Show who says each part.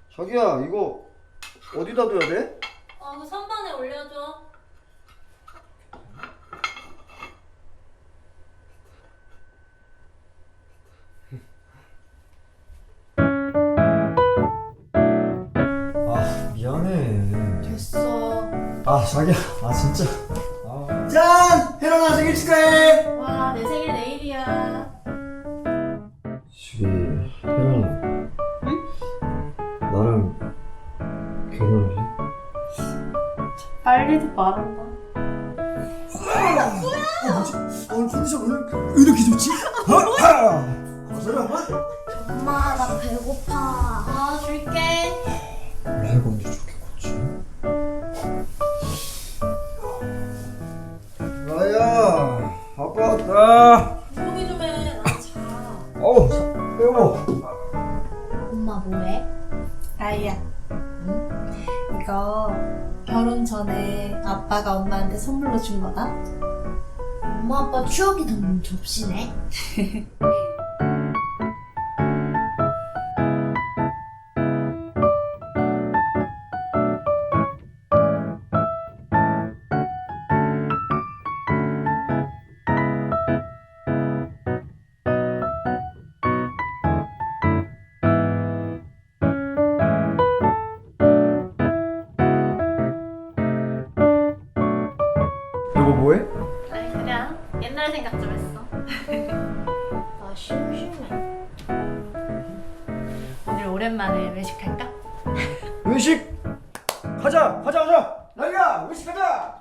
Speaker 1: 자기야, 이거 어디다 둬야 돼?
Speaker 2: 그 선반에 올려줘.
Speaker 1: 아, 미안해.
Speaker 3: 됐어.
Speaker 1: 아, 자기야, 진짜. 짠! 혜란아 생일 축하해!
Speaker 3: 와, 내 생일 내일이야.
Speaker 1: 저기, 혜란아.
Speaker 3: 응?
Speaker 1: 나랑 결혼할래?
Speaker 3: 빨리도 말한다.
Speaker 1: 오늘 컨디션 왜 이렇게 좋지?
Speaker 4: 엄마 나 배고파.
Speaker 3: 줄게.
Speaker 1: 원래 해가 언제 저렇게 컸지? 라야, 아빠 왔다.
Speaker 3: 조용히 좀 해. 나 자.
Speaker 1: 어우, 배워.
Speaker 4: 엄마 뭐해?
Speaker 3: 아이야. 응? 이거 결혼 전에 아빠가 엄마한테 선물로 준 거다.
Speaker 4: 엄마 아빠 추억이 담긴 접시네.
Speaker 1: 여보 뭐해?
Speaker 3: 아니 그냥 옛날 생각 좀 했어.
Speaker 4: 나 심심해.
Speaker 3: 오늘 오랜만에 외식할까?
Speaker 1: 외식! 가자! 라야, 외식 가자!